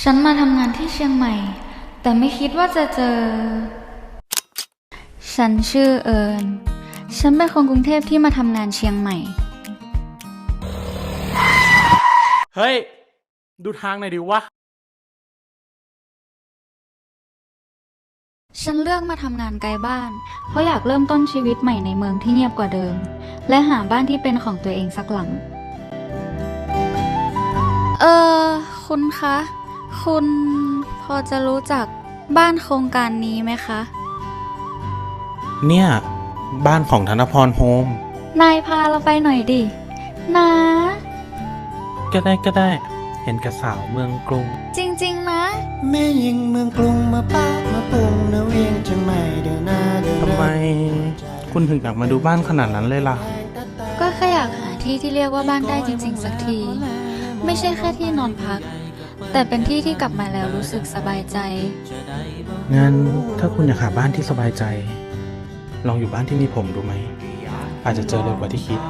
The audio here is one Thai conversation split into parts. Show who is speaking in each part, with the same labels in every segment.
Speaker 1: ฉันมาทำงานที่เชียงใหม่แต่ไม่คิดว่าจะเจอฉันชื่อเอิญฉันเป็นคนกรุงเทพที่มาทำงานเชียงใหม่
Speaker 2: เฮ้ยดูทางหน่อยดิวะ
Speaker 1: ฉันเลือกมาทำงานไกลบ้านเพราะอยากเริ่มต้นชีวิตใหม่ในเมืองที่เงียบกว่าเดิมและหาบ้านที่เป็นของตัวเองสักหลังคุณคะคุณพอจะรู้จักบ้านโครงการนี้ไหมคะ
Speaker 2: เนี่ยบ้านของธนพรโฮม
Speaker 1: นายพาเราไปหน่อยดินะ
Speaker 2: ก็ได้เห็นกระสาวเมืองกรุง
Speaker 1: จริงๆนะ
Speaker 3: แม่ยิงเมืองกรุงมาป้ามาปรุงนะเวียงจังใหม่เดินหน้าเดิน
Speaker 2: ทำไมคุณถึงอยากมาดูบ้านขนาดนั้นเลยล่ะ
Speaker 1: ก็แค่อยากหาที่ที่เรียกว่าบ้านได้จริงๆสักทีไม่ใช่แค่ที่นอนพักแต่เป็นที่ที่กลับมาแล้วรู้สึกสบายใจ
Speaker 2: งั้นถ้าคุณอยากหาบ้านที่สบายใจลองอยู่บ้านที่มีผมดูไหมอาจจะเจอเร็วกว่าที่คิด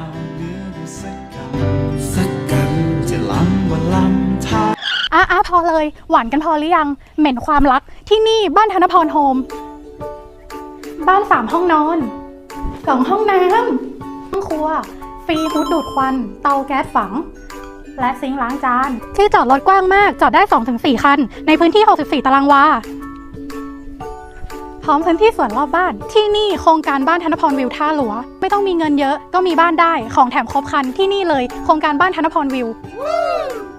Speaker 3: สักกันจะล้ำวันล้ำท่า
Speaker 4: พอเลยหวานกันพอหรือยังเหม็นความรักที่นี่บ้านธนพรโฮมบ้าน3ห้องนอน2ห้องน้ำห้องครัวฟรีฮูดดูดควันเตาแก๊สฝังและซิงค์ล้างจานที่จอดรถกว้างมากจอดได้ 2-4 คันในพื้นที่64ตารางวาพร้อมพื้นที่สวนรอบบ้านที่นี่โครงการบ้านธนพรวิวท่าหลวงไม่ต้องมีเงินเยอะก็มีบ้านได้ของแถมครบครันที่นี่เลยโครงการบ้านธนพรวิว